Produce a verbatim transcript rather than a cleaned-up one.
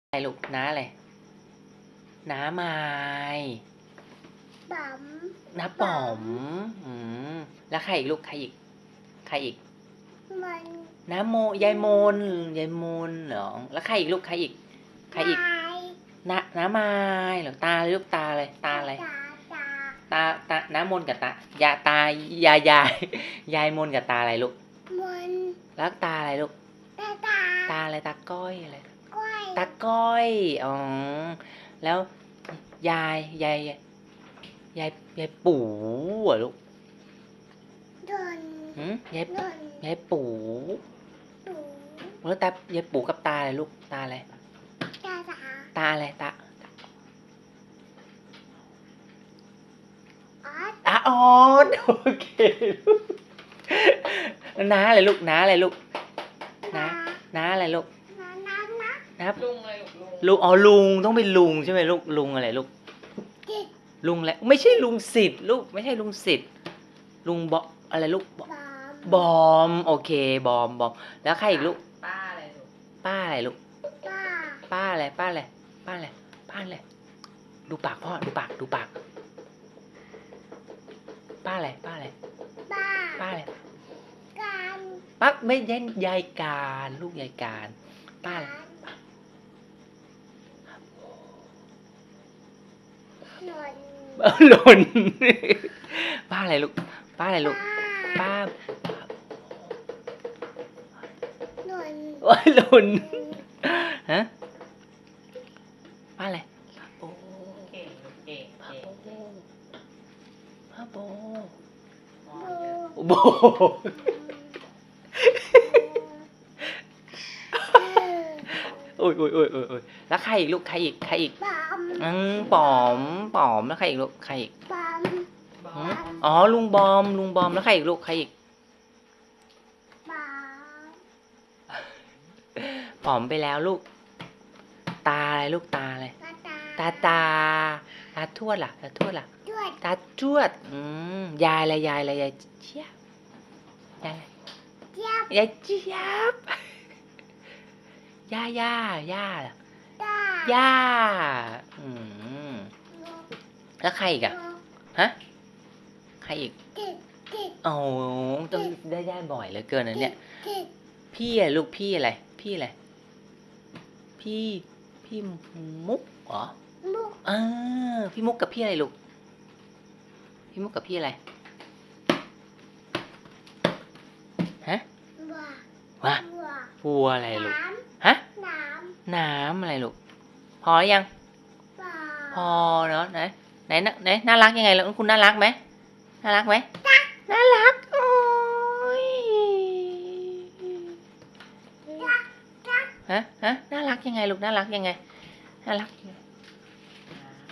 อะไรลูกน้าอะไรน้าไม้ป๋อมน้าป๋อมอืมแล้วใครอีกลูกใครอีกใครอีกมันน้าโมยายมนยายมนเหรอแล้วใครอีกลูกใครอีกใครอีกน้าน้าไม้เหรอตาลูกตาอะไรตาอะไรตาตาน้ามนกับตายาตายายยายยายมนกับตาอะไรลูกมันแล้วตาอะไรลูกตาตาตาอะไรตาก้อยอะไรก้อยตาก้อยอ๋อแล้วยายยายยายยายปู่เหรอลูกโดนหืมยายโดนยายปู่ตูแล้วตายายปู่กับตาอะไรลูกตาอะไรตาตาตาอะไรตาออสตาออดโอเคน้าอะไรลูกน้าอะไรลูกน้าน้าอะไรลูกน้าน้าน้าน้าลุงอะไรลูกลุงลุงอ๋อลุงต้องเป็นลุงใช่ไหมลูกลุงอะไรลูกจิตลุงอะไรไม่ใช่ลุงสิทธิ์ลูกไม่ใช่ลุงสิทธิ์ลุงบออะไรลูกป๋อมบอมโอเคบอมบอมแล้วใครอีกลูกป้าอะไรลูกป้าอะไรลูกป้าป้าอะไรป้าอะไรป้าอะไรป้าอะไรดูปากพ่อดูปากดูปากป้าอะไรป้าอะไรป้าป้าอะไรการป้าไม่ใช่ยายการลูกยายการป้าอะไรหล่นหล่นป้าอะไรลูกป้าอะไรลูกป้าหล่นโอ้ยหล่นฮะป้าอะไรโอ้เก่งลูกเก่งป้าเก่งโบป้าโบอ๋อบูโบโอ้ยโอ้ยโอ้ยโอ้ยโอ้ยแล้วใครอีกลูกใครอีกใครอีกป๋อมอืมปอมปอมแล้วใครอีกลูกใครอีกป๋อมบอหืมมอ๋อลุงบอมลุงบอมแล้วใครอีกลูกใครอีกป๋อมปอมไปแล้วลูก ตาอะไรลูกตาอะไรตาตาตาตาตาทวดล่ะตาทวดล่ะด้วยตาทวดอืมยายอะไรยายอะไรยายเจี๊ยบยายอะไรเจี๊ยบยายเจี๊ยบย่าย่าย่าล่ะตาย่าอืมแล้วใครอีกอะฮะใครอีกจิตจิตโอ้ต้องได้ได้บ่อยเหลือเกินนะเนี่ยจิตพี่อะลูกพี่อะไรพี่อะไรพี่พี่มุกเหรอมุกเออพี่มุกกับพี่อะไรลูกพี่มุกกับพี่อะไรฮะบัววะบัววัวอะไรลูกน้ฮะำน้น้ำอะไรลูกพอหรือยังำปลาพอเนาะไหนไหนน่ะไหนน่ารักยังไงแล้วคุณน่ารักไหมน่ารักไหมน่ารักโอ้ยจักจักฮะฮะน่ารักยังไงลูกน่ารักยังไงน่ารักยังไง